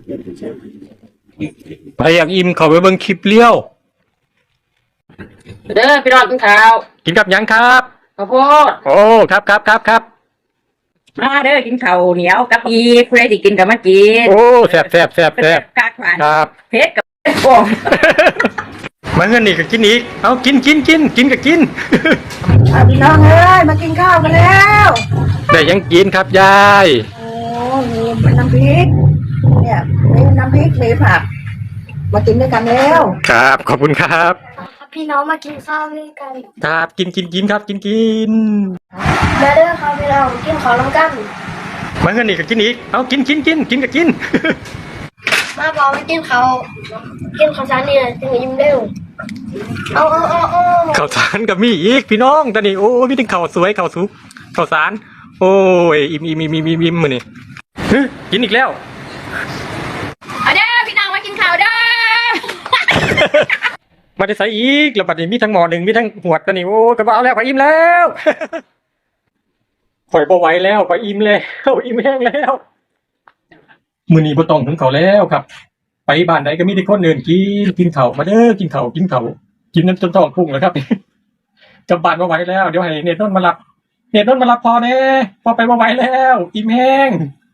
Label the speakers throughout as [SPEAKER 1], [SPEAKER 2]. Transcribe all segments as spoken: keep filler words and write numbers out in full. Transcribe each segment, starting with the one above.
[SPEAKER 1] ไปอยากอิ่มเขาไปเบิ่งคลิปเลี้ยว
[SPEAKER 2] เด้อพี่น้องกินข้าว
[SPEAKER 1] กินกับยังครับ
[SPEAKER 2] ข้าวโพด
[SPEAKER 1] โอ้ครับครับครับครับ
[SPEAKER 2] มาเด้อกินข้าวเหนียวกับอีเพื่อที่กินกับมากิน
[SPEAKER 1] โอ้แซ่บแซ่บแซ่บแซ่บ
[SPEAKER 2] กากหวาน
[SPEAKER 1] ครับ
[SPEAKER 2] เพชรกับโป่ง
[SPEAKER 1] มาเงินนี่ก็กินอีกเอากินกินกินกินก็กิน
[SPEAKER 3] พี่น้องเอ้ยมากินข้าวกันแล้ว
[SPEAKER 1] แต่ยังกินครับยาย
[SPEAKER 3] โอ้มีน้ำพริกเนี่ยมีน้ำพริกมีผักมากินด้วยกันแล้ว
[SPEAKER 1] ครับขอบคุณครับ
[SPEAKER 4] พี่น้องมากินข้าวด้วยกัน
[SPEAKER 1] ครับกินกินกินครับกินกิน
[SPEAKER 4] มาเด้อครับพี่น้องกินข้าวน้ำกัน
[SPEAKER 1] มาเงินนี่ก็กินอีกเอากินกินกินกินก็กิน
[SPEAKER 4] มาบอกมากินข้าวกินข้าวสารนี่จึงจะยิ้มเร็วเอาเอาเอาเอา
[SPEAKER 1] ข้าวสารกับมีอีกพี่น้องตอนนี้โอ้พี่ถึงข้าวสวยข้าวสุกข้าวสารโอ้ยอิ่มอิ่มอิ่มอิ่มอิ่มมือนี่กินอีกแล้ว
[SPEAKER 2] เอาเด้อพี่น้องมากินข้าวเด้อ
[SPEAKER 1] มาได้ใส่อีกแล้วบัดนี้มีทั้งหมอหนึ่งมีทั้งหวดตอนนี้โอ้กระเป๋าแล้วข่อยอิ่มแล้วข่อยบ่ไหวแล้วข่อยอิ่มแล้วอิ่มแห้งแล้วมื้อนี้บ่ต้องถึงเขาแล้วครับไปบ้านไหนก็มีแต่คนเดินกินกินข้าวมาเด้อกินข้าวกินข้าวกินน้ำจนท้องพุ่งแล้วครับกลับบ้านบ่ไหวแล้วเดี๋ยวให้เนตรนนท์มารับเนตรนนท์มารับพอแน่พอไปบ่ไหวแล้วอิ่มแห้ง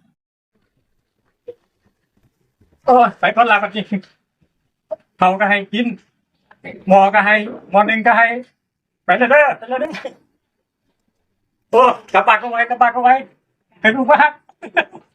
[SPEAKER 1] โอ้ใส่ก้อนลากันจริงเขาก็ให้กินหมอก็ให้หมอหนึ่งก็ให้ไปเลยเด้อไปเลยเด้อโอ้กลับบ้านก็ไว้กลับบ้านก็ไว้ให้ลูกมาก